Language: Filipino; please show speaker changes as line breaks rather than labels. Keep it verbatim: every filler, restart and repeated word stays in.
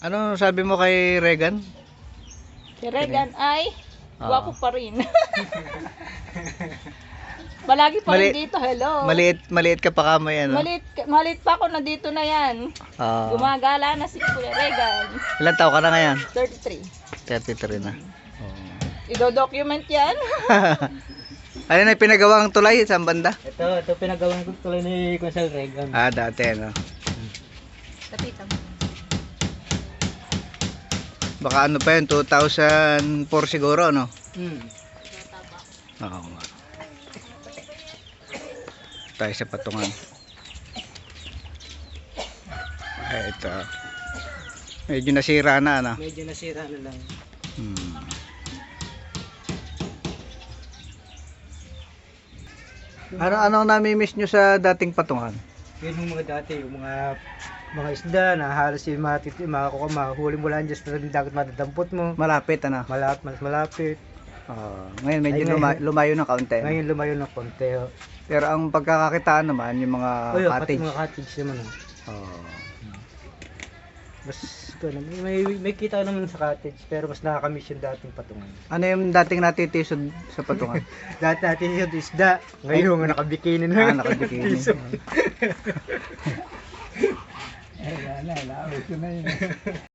Ano sabi mo kay Regan?
Si Regan ay
Oo.
gwapo pa rin. Malagi pa rin
Mali-
dito, hello.
Maliit, maliit ka pa kamay ano?
Malit, malit pa ako, nandito na yan.
Oo.
Gumagala na si Kuya Regan.
Ilan taon ka na ngayon?
thirty-three.
thirty-three na. Oo.
Ido-document yan.
Ano na yung pinagawang tulay sa banda?
Ito, ito pinagawa ko tuloy ni Kunsel Regan.
Ah, dati ano.
Kapitan.
Baka ano pa yun, two thousand four siguro, no?
Hmm.
Oo nga. Tayo sa patungan. Ay, ito. Medyo nasira na, ano?
Medyo nasira na lang.
Hmm. Ano ano nami-miss nyo sa dating patungan?
Yun yung mga dati, yung mga mga isda na halos yung mga titi, mga kuka, mahuli mo lang dyan sa dagat matadampot mo.
Malapit, ano?
Malapit, mas malapit.
Oo. Ngayon medyo
Ay, ngayon.
luma- lumayo ng kaunti.
Ngayon lumayo ng konti. oh.
Pero ang pagkakakitaan naman, yung mga
Oh, yun, pati
cottage.
mga cottage naman. oh.
Oo.
Mas, ano, may, may, may kita naman sa cottage, pero mas nakakamiss yung dating patungan.
Ano yung dating natitisod sa patungan?
Dati natin yung isda, ngayon nga nakabikini na.
Ah, nakabikini.
Piso.
Ay, wala, wala. Ito na yun.